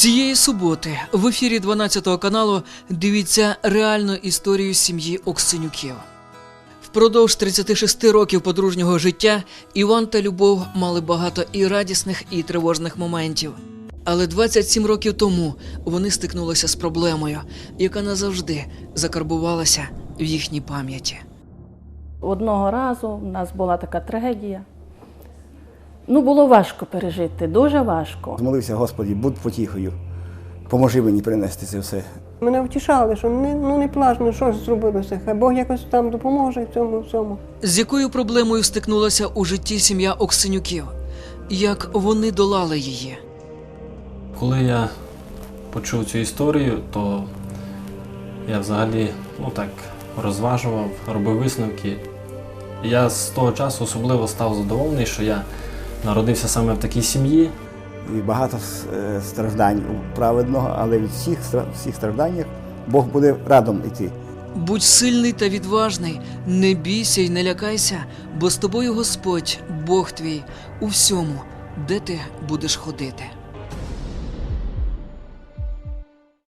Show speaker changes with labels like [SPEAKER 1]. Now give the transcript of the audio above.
[SPEAKER 1] Цієї суботи в ефірі 12 каналу дивіться реальну історію сім'ї Оксенюків. Впродовж 36 років подружнього життя Іван та Любов мали багато і радісних, і тривожних моментів. Але 27 років тому вони стикнулися з проблемою, яка назавжди закарбувалася в їхній пам'яті.
[SPEAKER 2] Одного разу в нас була така трагедія. Було важко пережити, дуже важко.
[SPEAKER 3] Змолився: Господи, будь потіхою, поможи мені принести це все.
[SPEAKER 4] Мене втішали, що не плач, що ж зробилося, хай Бог якось там допоможе в цьому всьому.
[SPEAKER 1] З якою проблемою стикнулася у житті сім'я Оксенюків? Як вони долали її?
[SPEAKER 5] Коли я почув цю історію, то я взагалі розважував, робив висновки. Я з того часу особливо став задоволений, що я народився саме в такій сім'ї.
[SPEAKER 3] І багато страждань у праведного, але від всіх стражданнях Бог буде радом йти.
[SPEAKER 1] Будь сильний та відважний, не бійся й не лякайся, бо з тобою Господь, Бог твій, у всьому, де ти будеш ходити.